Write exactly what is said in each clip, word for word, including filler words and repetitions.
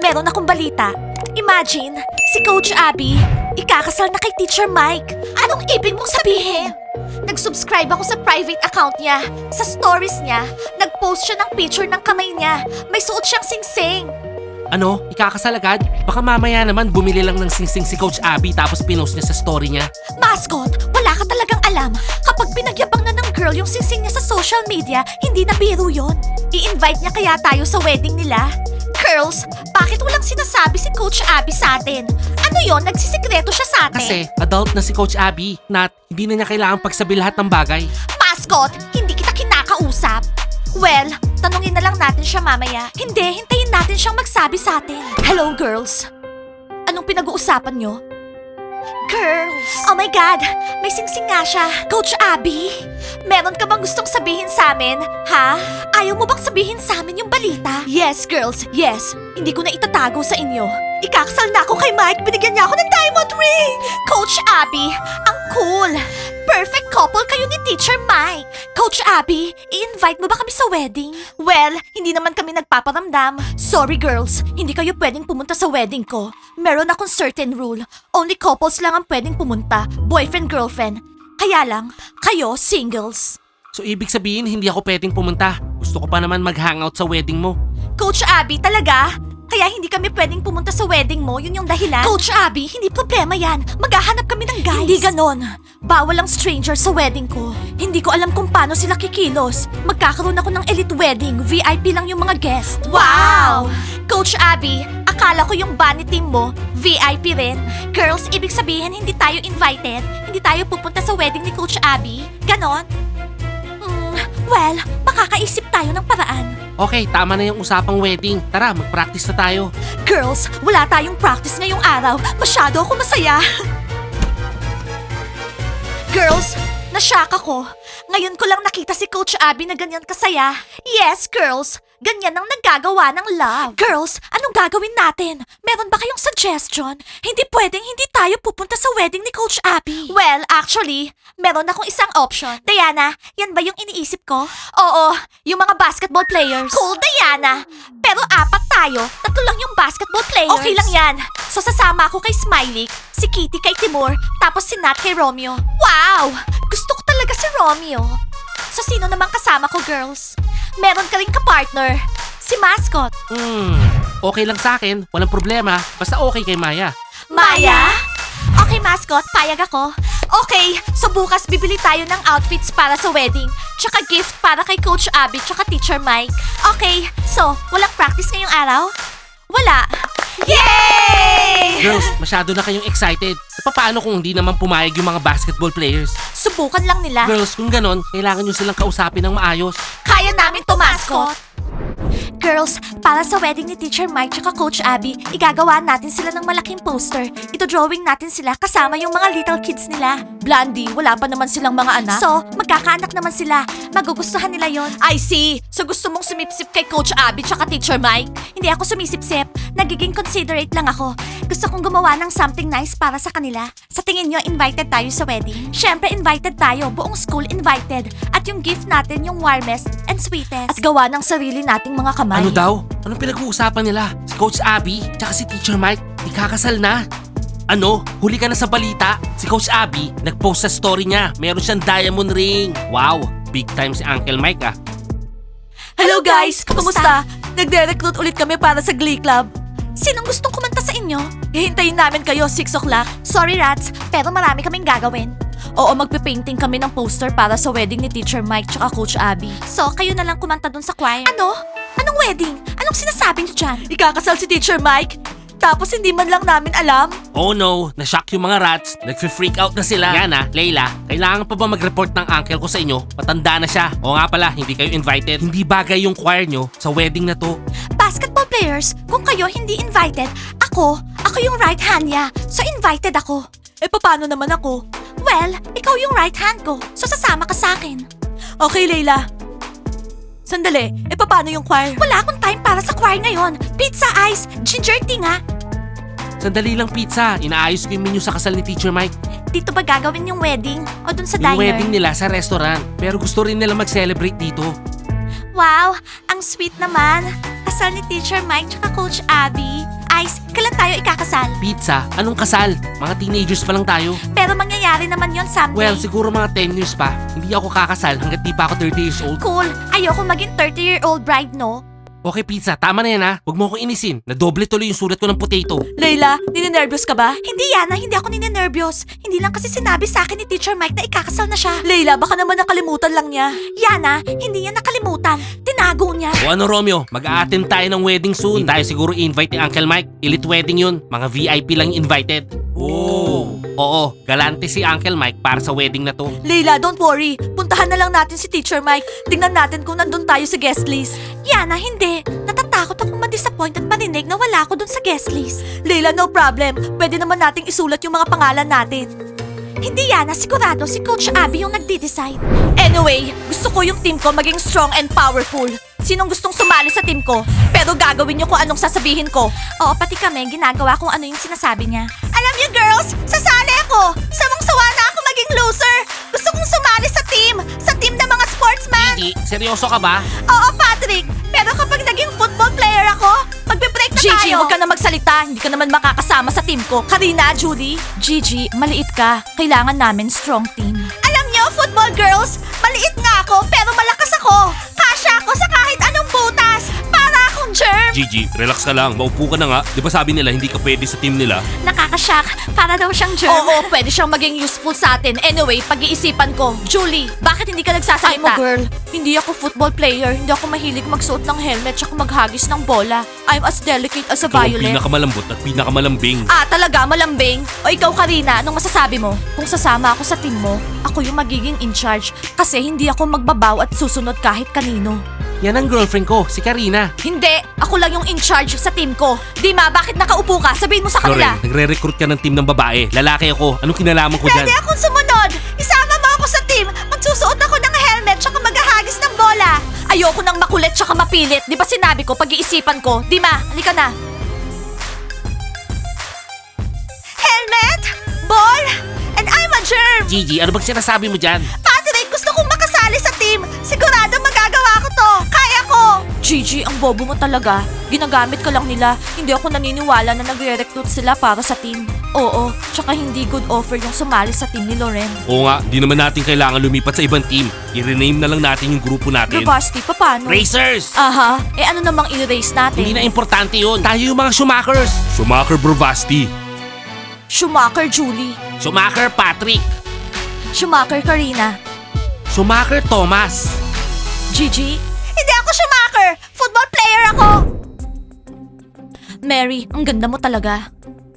meron akong balita. Imagine, si Coach Abby, ikakasal na kay Teacher Mike. Anong ibig mong sabihin? Nag-subscribe ako sa private account niya. Sa stories niya, nag-post siya ng picture ng kamay niya. May suot siyang singsing. Ano? Ikakasal agad? Baka mamaya naman bumili lang ng singsing si Coach Abby tapos pinost niya sa story niya. Mascot, wala ka talagang alam. Kapag pinagyabang na ng girl yung singsing niya sa social media, hindi na biro yun. I-invite niya kaya tayo sa wedding nila? Girls, bakit walang sinasabi si Coach Abby sa atin? Ano yon? Nagsisikreto siya sa atin? Kasi adult na si Coach Abby, Nat, hindi na niya kailangan pagsabi lahat ng bagay. Mascot, hindi kita kinakausap. Well, tanungin na lang natin siya mamaya. Hindi, hintayin natin siyang magsabi sa atin. Hello, girls. Anong pinag-uusapan nyo? Girls! Oh my God! May singsing nga siya. Coach Abby, meron ka bang gustong sabihin sa amin? Ha? Ayaw mo bang sabihin sa amin yung balita? Yes, girls. Yes. Hindi ko na itatago sa inyo. Ikakasal na ako kay Mike. Binigyan niya ako ng diamond ring. Coach Abby, ang cool. Perfect couple kayo ni Teacher Mike. Coach Abby, i-invite mo ba kami sa wedding? Well, hindi naman kami nagpaparamdam. Sorry girls, hindi kayo pwedeng pumunta sa wedding ko. Meron akong certain rule. Only couples lang ang pwedeng pumunta. Boyfriend-girlfriend. Kaya lang, kayo singles. So ibig sabihin hindi ako pwedeng pumunta. Gusto ko pa naman mag-hangout sa wedding mo. Coach Abby, talaga? Kaya hindi kami pwedeng pumunta sa wedding mo, yun yung dahilan? Coach Abby, hindi problema yan. Maghahanap kami ng guys. Hindi ganon. Bawal ang stranger sa wedding ko. Hindi ko alam kung paano sila kikilos. Magkakaroon ako ng elite wedding. V I P lang yung mga guest. Wow! Coach Abby, akala ko yung bunny team mo, V I P rin. Girls, ibig sabihin hindi tayo invited? Hindi tayo pupunta sa wedding ni Coach Abby? Ganon? Hmm, well, makakaisip tayo ng paraan. Okay, tama na yung usapang wedding. Tara, mag-practice na tayo. Girls, wala tayong practice ngayong araw. Masyado ako masaya. Girls, nashock ako. Ngayon ko lang nakita si Coach Abby na ganyan kasaya. Yes, girls. Ganyan ang naggagawa ng love. Girls, anong gagawin natin? Meron ba kayong suggestion? Hindi pwedeng hindi tayo pupunta sa wedding ni Coach Abby. Well, actually, meron akong isang option. Diana, yan ba yung iniisip ko? Oo, yung mga basketball players. Cool, Diana. Pero apat tayo, tatlo lang yung basketball players. Okay lang yan. So sasama ako kay Smiley, si Kitty kay Timur, tapos si Nat kay Romeo. Wow! Gusto ko talaga si Romeo. So sino naman kasama ko, girls? Meron ka rin ka-partner, si Mascot. Hmm, okay lang sa akin. Walang problema. Basta okay kay Maya. Maya? Okay, Mascot, payag ako. Okay, so bukas bibili tayo ng outfits para sa wedding. Tsaka gift para kay Coach Abby tsaka Teacher Mike. Okay, so walang practice ngayong araw? Wala. Yay! Girls, masyado na kayong excited. E paano kung hindi naman pumayag yung mga basketball players? Subukan lang nila. Girls, kung ganon, kailangan nyo silang kausapin ng maayos. Kaya namin to, Mascot. Girls, para sa wedding ni Teacher Mike tsaka Coach Abby, igagawa natin sila ng malaking poster. Ito drawing natin sila kasama yung mga little kids nila. Blondie, wala pa naman silang mga anak. So, magkakaanak naman sila. Magugustuhan nila yon. I see. So gusto mong sumipsip kay Coach Abby tsaka Teacher Mike? Hindi ako sumisipsip. Nagiging considerate lang ako. Gusto kong gumawa ng something nice para sa kanila. Sa tingin nyo, invited tayo sa wedding? Siyempre, invited tayo. Buong school invited. At yung gift natin yung warmest and sweetest. At gawa ng sarili nating mga kamay. Ano daw? Anong pinag-uusapan nila? Si Coach Abby, tsaka si Teacher Mike, ikakasal na. Ano? Huli ka na sa balita? Si Coach Abby, nag-post sa story niya. Meron siyang diamond ring. Wow, big time si Uncle Mike ah. Hello guys! Kumusta? Nagre-recruit ulit kami para sa Glee Club. Sinong gustong kumanta sa inyo? Hihintayin namin kayo six o'clock. Sorry rats, pero marami kaming gagawin. Oo, magpipainting kami ng poster para sa wedding ni Teacher Mike tsaka Coach Abby. So, kayo na lang kumanta dun sa choir. Ano? Anong wedding? Anong sinasabi niyo dyan? Ikakasal si Teacher Mike? Tapos hindi man lang namin alam? Oh no, na-shock yung mga rats. Nag-freak out na sila. Yana, Layla, kailangan pa ba mag-report ng uncle ko sa inyo? Matanda na siya. O nga pala, hindi kayo invited. Hindi bagay yung choir nyo sa wedding na to. Basketball players, kung kayo hindi invited, ako, ako yung right hand niya. So invited ako. Eh paano naman ako? Well, ikaw yung right hand ko. So sasama ka sa akin. Okay, Layla. Sandali, eh paano yung choir? Wala akong time para sa choir ngayon. Pizza, ice, ginger tea nga. Sandali lang pizza, inaayos ko yung menu sa kasal ni Teacher Mike. Dito ba gagawin yung wedding? O dun sa Yung diner? wedding nila sa restaurant, pero gusto rin nila mag-celebrate dito. Wow, ang sweet naman. Kasal ni Teacher Mike tsaka Coach Abby. Ice, kailan tayo ikakasal? Pizza, anong kasal? Mga teenagers pa lang tayo. Pero mangyayari naman yon someday. Well, siguro mga ten years pa. Hindi ako kakasal hanggat di pa ako thirty years old. Cool. Ayoko maging thirty-year-old bride, no? Okay, Pizza, tama na yan ha. Huwag mo akong inisin. Nadoble tuloy yung sulat ko ng potato. Layla, ninenervyos ka ba? Hindi, Yana. Hindi ako ninenervyos. Hindi lang kasi sinabi sa akin ni Teacher Mike na ikakasal na siya. Layla, baka naman nakalimutan lang niya. Yana, hindi niya nakalimutan. Tinago niya. O ano, Romeo? Mag-a-attend tayo ng wedding soon. Hindi tayo siguro invite ni Uncle Mike. Elite wedding yun. Mga V I P lang invited. Oh. Oo, galante si Uncle Mike para sa wedding na to. Layla, don't worry. Puntahan na lang natin si Teacher Mike. Tingnan natin kung nandun tayo sa guest list. Yana, hindi. Natatakot akong ma-disappoint at marinig na wala ako dun sa guest list. Layla, no problem. Pwede naman nating isulat yung mga pangalan natin. Hindi, Yana. Sigurado si Coach Abby yung nagde-decide. Anyway, gusto ko yung team ko maging strong and powerful. Sinong gustong sumali sa team ko? Pero gagawin niyo kung anong sasabihin ko. Oo, pati kami, ginagawa kung ano yung sinasabi niya. Alam niyo, girls, sasali ako. Sawang-sawa na ako maging loser. Gusto kong sumali sa team. Sa team ng mga sportsman. Gigi, seryoso ka ba? Oo, Patrick. Pero kapag naging football player ako, magbe-break na Gigi, tayo. huwag ka na magsalita. Hindi ka naman makakasama sa team ko. Karina, Julie. Gigi, maliit ka. Kailangan namin strong team. Alam niyo, football girls, maliit nga ako pero malakas ako. Kasya ako sa kahit anong butas. Para akong germ. Gigi, relax ka lang. Maupo ka na nga. Di ba sabi nila hindi ka pwede sa team nila? Nakakashock. Para daw siyang germ. Oo, pwede siyang maging useful sa atin. Anyway, pag-iisipan ko. Julie, bakit hindi ka Ay nagsasalita? mo, girl. Hindi ako football player. Hindi ako mahilig magsuot ng helmet tsaka maghagis ng bola. I'm as delicate as a Ikaw ang violet. pinakamalambot at pinakamalambing. Ah, talaga? Malambing? O ikaw, Karina, anong masasabi mo? Kung sasama ako sa team mo, ako yung magiging in charge kasi hindi ako magbabaw at susunod kahit kanino. Yan ang girlfriend ko, si Karina. Hindi! Ako lang yung in charge sa team ko. Dima, bakit nakaupo ka? Sabihin mo sa kanila. Loren, nagre-recruit ka ng team ng babae. Lalaki ako. Anong kinalaman ko dyan? Pwede akong sumunod! Isama mo ako sa team! Magsusuot ako ng helmet tsaka maghahagis ng bola! Ayoko nang makulit tsaka mapilit. Di ba sinabi ko, pag-iisipan ko? Dima, halika na. Helmet! Ball! And I'm a germ! Gigi, ano bang sinasabi mo dyan? Patrick, gusto kong makasali sa team! Sigurado magagawa ko to! Kaya ko! Gigi, ang bobo mo talaga. Ginagamit ka lang nila. Hindi ako naniniwala na nagre-recruit sila para sa team. Oo, tsaka hindi good offer yung sumali sa team ni Loren. Oo nga, di naman natin kailangan lumipat sa ibang team. I-rename na lang natin yung grupo natin. Gravasti, paano? Racers! Aha, eh ano namang i-race natin? Hindi na importante yun. Tayo yung mga Schumachers. Schumacher Bravasti. Schumacher, Julie. Schumacher Patrick. Schumacher, Karina. Schumacher Thomas. Gigi? Hindi ako Schumacher! Football player ako! Mary, ang ganda mo talaga.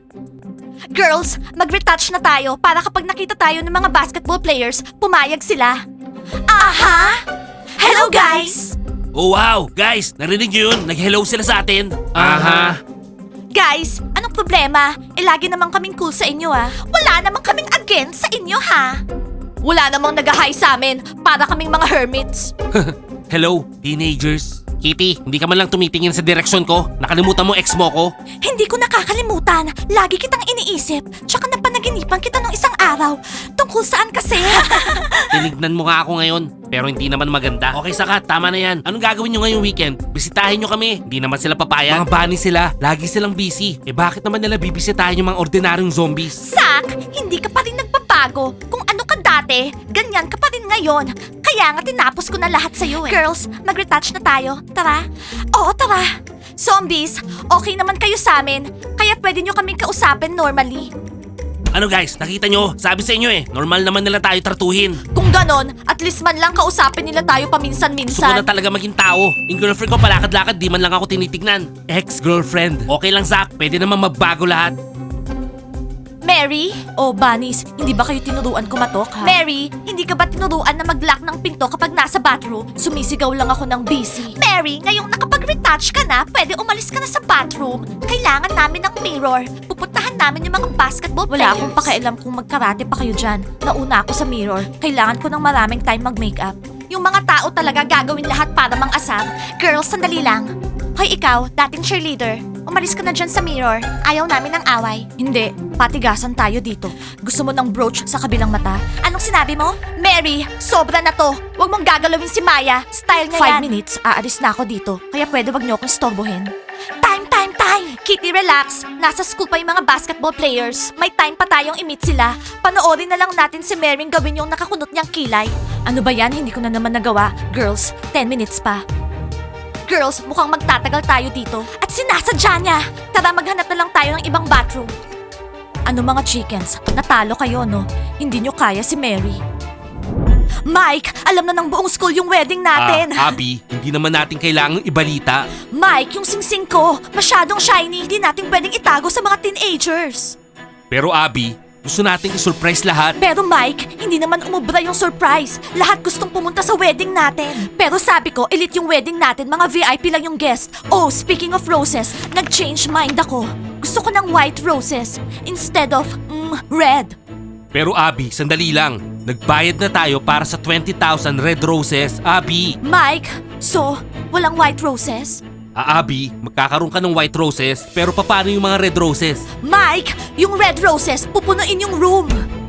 Girls, mag-retouch na tayo para kapag nakita tayo ng mga basketball players, pumayag sila. Aha! Hello, guys! Oh wow, guys, narinig niyo yun? Nag-hello sila sa atin. Aha. Guys, anong problema? Eh, lagi namang kaming cool sa inyo, ah. Wala namang kaming against sa inyo, ha? Wala namang nag-hi sa amin para kaming mga hermits. Hello, teenagers. Kitty, hindi ka man lang tumitingin sa direksyon ko. Nakalimutan mo ex mo ko. Hindi ko nakakalimutan. Lagi kitang iniisip. Tsaka napanaginipan kita nung isang araw. Tungkol saan kasi? Tinignan mo nga ako ngayon, pero hindi naman maganda. Okay, Sakat, tama na yan. Anong gagawin nyo ngayong weekend? Bisitahin nyo kami. Hindi naman sila papayag. Mga bunny sila. Lagi silang busy. Eh bakit naman nila bibisitahin yung mga ordinaryong zombies? Sak, hindi ka pa rin nagbabago. Kung ano ka dati, ganyan ka pa rin ngayon. Kaya nga tinapos ko na lahat sa'yo eh. Girls, mag-retouch na tayo. Tara. Oo, tara. Zombies, okay naman kayo sa amin. Kaya pwede nyo kaming kausapin normally. Ano guys, nakita nyo? Sabi sa inyo eh, normal naman nila tayo tratuhin. Kung ganon, at least man lang kausapin nila tayo Gusto ko paminsan-minsan. na talaga maging tao. Yung girlfriend ko palakad-lakad, di man lang ako tinitignan. Ex-girlfriend. Okay lang, Zach. Pwede naman magbago lahat. Mary? Oh, Bunnies, hindi ba kayo tinuruan kumatok, ha? Mary, hindi ka ba tinuruan na mag-lock ng pinto kapag nasa bathroom? Sumisigaw lang ako ng busy. Mary, ngayong nakapag-retouch ka na, pwede umalis ka na sa bathroom. Kailangan namin ng mirror. Pupuntahan namin yung mga basketball players. Wala akong pakialam kung magkarate pa kayo dyan. Nauna ako sa mirror. Kailangan ko ng maraming time mag-makeup. Yung mga tao talaga gagawin lahat para mang-asar. Girls, sandali lang. Hoy, ikaw, dating cheerleader. Umalis ka na dyan sa mirror. Ayaw namin ng away. Hindi, patigasan tayo dito. Gusto mo ng brooch sa kabilang mata? Anong sinabi mo? Mary, sobra na to. Huwag mong gagalawin si Maya. Style niya Five yan. minutes, aalis na ako dito. Kaya pwede wag niyo akong istorbohin. Time, time! time, time! Kitty, relax. Nasa school pa yung mga basketball players. May time pa tayong i-meet sila. Panoorin na lang natin si Mering gawin yung nakakunot niyang kilay. Ano ba yan? Hindi ko na naman nagawa. Girls, ten minutes pa. Girls, mukhang magtatagal tayo dito. At sinasadya niya. Tara, maghanap na lang tayo ng ibang bathroom. Ano mga chickens? Natalo kayo, no? Hindi nyo kaya si Mary. Mike, alam na ng buong school yung wedding natin. Ah, Abby, hindi naman natin kailangang ibalita. Mike, yung singsing ko, masyadong shiny. Hindi natin pwedeng itago sa mga teenagers. Pero Abby, gusto nating i-surprise lahat. Pero Mike, hindi naman umubra yung surprise. Lahat gustong pumunta sa wedding natin. Pero sabi ko, elite yung wedding natin, mga V I P lang yung guest. Oh, speaking of roses, nag-change mind ako. Gusto ko ng white roses instead of, mm, red. Pero Abby, sandali lang. Nagbayad na tayo para sa twenty thousand red roses, Abby. Mike, so, walang white roses? Ah, Abby, magkakaroon ka ng white roses, pero paano yung mga red roses? Mike, yung red roses, pupunuin yung room.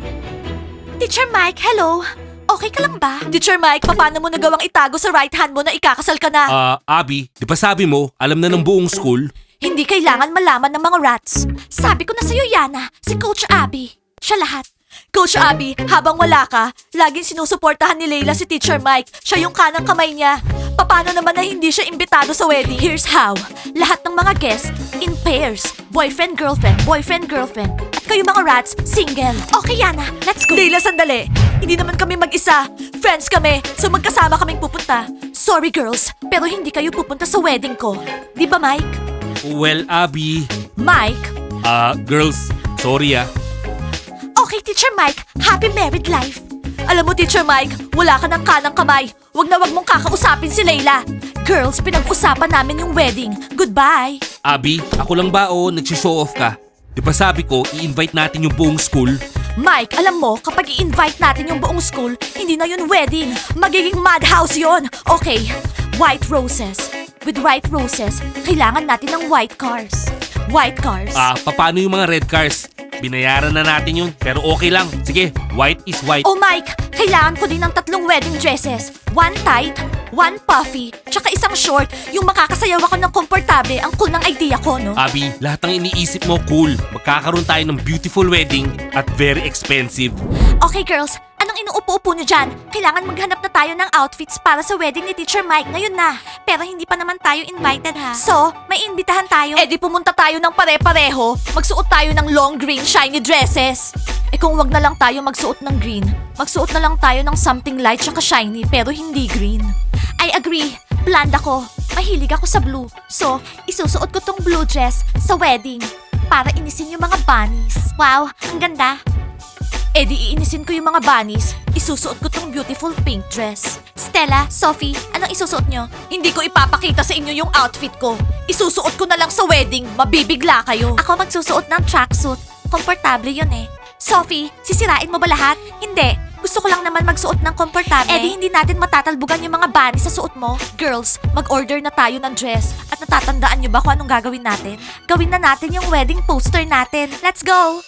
Teacher Mike, hello. Okay ka lang ba? Teacher Mike, paano mo nagawang itago sa right hand mo na ikakasal ka na? Ah, Abby, di ba sabi mo, alam na ng buong school? Hindi kailangan malaman ng mga rats. Sabi ko na sa'yo, Yana, si Coach Abby. Siya lahat. Coach Abby, habang wala ka, laging sinusuportahan ni Layla si Teacher Mike. Siya yung kanang kamay niya. Paano naman na hindi siya imbitado sa wedding? Here's how. Lahat ng mga guests, in pairs. Boyfriend, girlfriend, boyfriend, girlfriend. At kayo mga rats, single. Okay, Yana, let's go. Layla, sandali. Hindi naman kami mag-isa. Friends kami, so magkasama kaming pupunta. Sorry, girls, pero hindi kayo pupunta sa wedding ko. Di ba, Mike? Well, Abby. Mike? Ah, girls, sorry ah. Okay, Teacher Mike. Happy married life. Alam mo, Teacher Mike, wala ka ng kanang kamay. Wag na wag mong kakausapin si Layla. Girls, pinag-usapan namin yung wedding. Goodbye. Abby, ako lang ba o nagsishow off ka? Di ba sabi ko, i-invite natin yung buong school? Mike, alam mo, kapag i-invite natin yung buong school, hindi na yun wedding. Magiging madhouse yon. Okay, white roses. With white roses, kailangan natin ng white cars. White cars. Ah, paano yung mga red cars? Binayaran na natin yun, pero okay lang. Sige, white is white. Oh Mike, kailangan ko din ng tatlong wedding dresses. One tight, one puffy, tsaka isang short. Yung makakasayaw ako ng komportable. Ang cool ng idea ko, no? Abby, lahat ng iniisip mo cool. Magkakaroon tayo ng beautiful wedding at very expensive. Okay girls, anong inuupo-upo nyo dyan? Kailangan maghanap na tayo ng outfits para sa wedding ni Teacher Mike ngayon na. Pero hindi pa naman tayo invited ha. So, may imbitahan tayo. Eh di pumunta tayo ng pare-pareho. Magsuot tayo ng long green shiny dresses. Eh kung wag na lang tayo magsuot ng green, magsuot na lang tayo ng something light tsaka shiny pero hindi green. I agree. Blonde ako. Mahilig ako sa blue. So, isusuot ko tong blue dress sa wedding para inisin yung mga bunnies. Wow, ang ganda. Eh di iinisin ko yung mga bunnies, isusuot ko tong beautiful pink dress. Stella, Sophie, anong isusuot nyo? Hindi ko ipapakita sa inyo yung outfit ko. Isusuot ko na lang sa wedding, mabibigla kayo. Ako magsusuot ng tracksuit. Komportable yun eh. Sophie, sisirain mo ba lahat? Hindi. Gusto ko lang naman magsuot ng komportable. Eh di hindi natin matatalbugan yung mga bunnies sa suot mo. Girls, mag-order na tayo ng dress. At natatandaan nyo ba kung anong gagawin natin? Gawin na natin yung wedding poster natin. Let's go!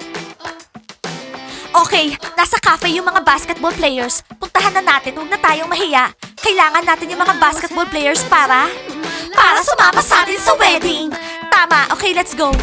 Okay, nasa cafe yung mga basketball players. Puntahan na natin, huwag na tayong mahiya. Kailangan natin yung mga basketball players para... Para sumama sa atin sa wedding. Tama, okay, let's go.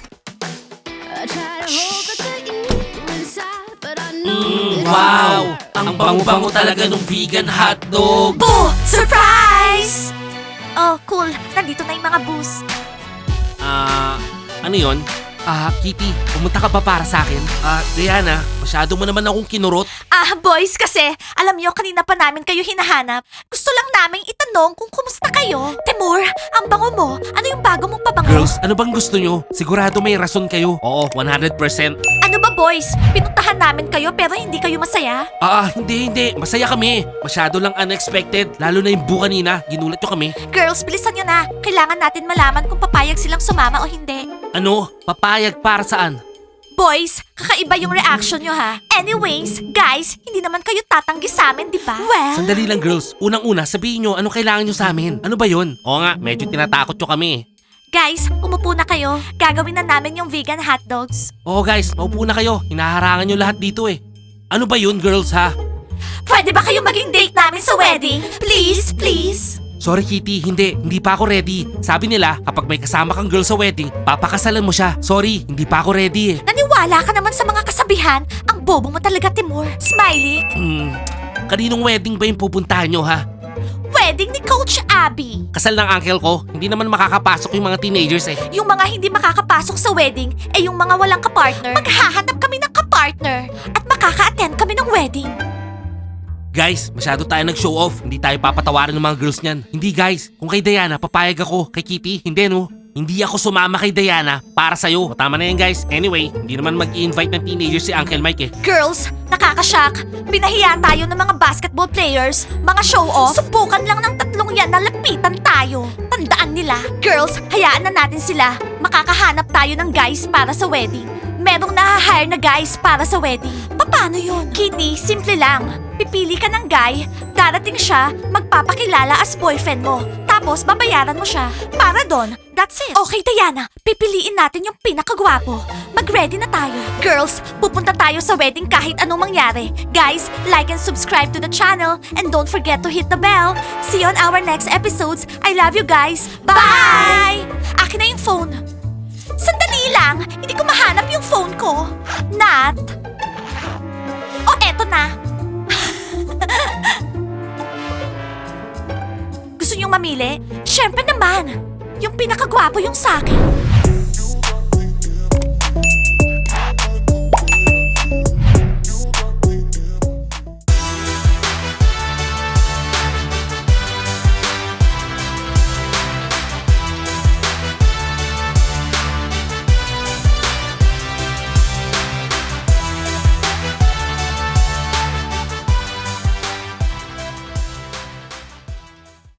Mm, wow! Ang bango-bango talaga ng vegan hotdog. Boo! Surprise! Oh, cool. Nandito na yung mga booze. Ah, ano yon? Ah, Kitty, pumunta ka ba para sa akin? Ah, Diana, masyado mo naman akong kinurot. Ah, boys, kasi alam niyo kanina pa namin kayo hinahanap. Gusto lang naming itanong kung kumusta kayo. Timur, ang bango mo. Ano yung bago mong pabango? Girls, ano bang gusto nyo? Sigurado may rason kayo. Oo, one hundred percent. Ano ba, boys? Pinuntahan namin kayo pero hindi kayo masaya? Ah, hindi, hindi. Masaya kami. Masyado lang unexpected. Lalo na yung bu kanina. Ginulat nyo kami. Girls, bilisan nyo na. Kailangan natin malaman kung papayag silang sumama o hindi. Ano? Papayag para saan? Boys, kakaiba yung reaction nyo ha. Anyways, guys, hindi naman kayo tatanggi sa amin, di ba? Well... Sandali lang, girls. Unang-una, sabihin nyo anong kailangan nyo sa amin. Ano ba yon? Oo nga, medyo tinatakot nyo kami. Guys, umupo na kayo. Gagawin na namin yung vegan hotdogs. Oo guys, maupo na kayo. Hinaharangan nyo lahat dito eh. Ano ba yun, girls ha? Pwede ba kayo maging date namin sa wedding? Please, please. Sorry Kitty, hindi. Hindi pa ako ready. Sabi nila, kapag may kasama kang girl sa wedding, papakasalan mo siya. Sorry, hindi pa ako ready eh. Naniwala ka naman sa mga kasabihan. Ang bobo mo talaga, Timur. Smiley, Hmm, kaninong wedding ba yung pupuntahan nyo ha? wedding ni Coach Abby. Kasal ng uncle ko, hindi naman makakapasok yung mga teenagers eh. Yung mga hindi makakapasok sa wedding, eh yung mga walang kapartner. Maghahanap kami ng kapartner at makaka-attend kami ng wedding. Guys, masyado tayo nag-show off. Hindi tayo papatawarin ng mga girls niyan. Hindi guys, kung kay Diana, papayag ako. Kay Kitty, hindi no. Hindi ako sumama kay Diana para sa'yo. O, tama na yan guys. Anyway, hindi naman mag-i-invite ng teenagers si Uncle Mike eh. Girls, nakakashock. Pinahiya tayo ng mga basketball players, mga show-off. Subukan lang ng tatlong yan na lapitan tayo. Tandaan nila. Girls, hayaan na natin sila. Makakahanap tayo ng guys para sa wedding. Merong naha-hire na guys para sa wedding. Paano yun? Kitty, simple lang. Pipili ka ng guy, darating siya, magpapakilala as boyfriend mo. Tapos babayaran mo siya. Para doon, that's it. Okay, Diana, pipiliin natin yung pinakagwapo. Mag-ready na tayo. Girls, pupunta tayo sa wedding kahit anong mangyari. Guys, like and subscribe to the channel and don't forget to hit the bell. See you on our next episodes. I love you guys. Bye! Akin na yung phone. Sandali lang, hindi ko mahanap yung phone ko. Nat? O, eto na. Gusto niyong mamili? Siyempre naman. Yung pinakagwapo yung sa akin.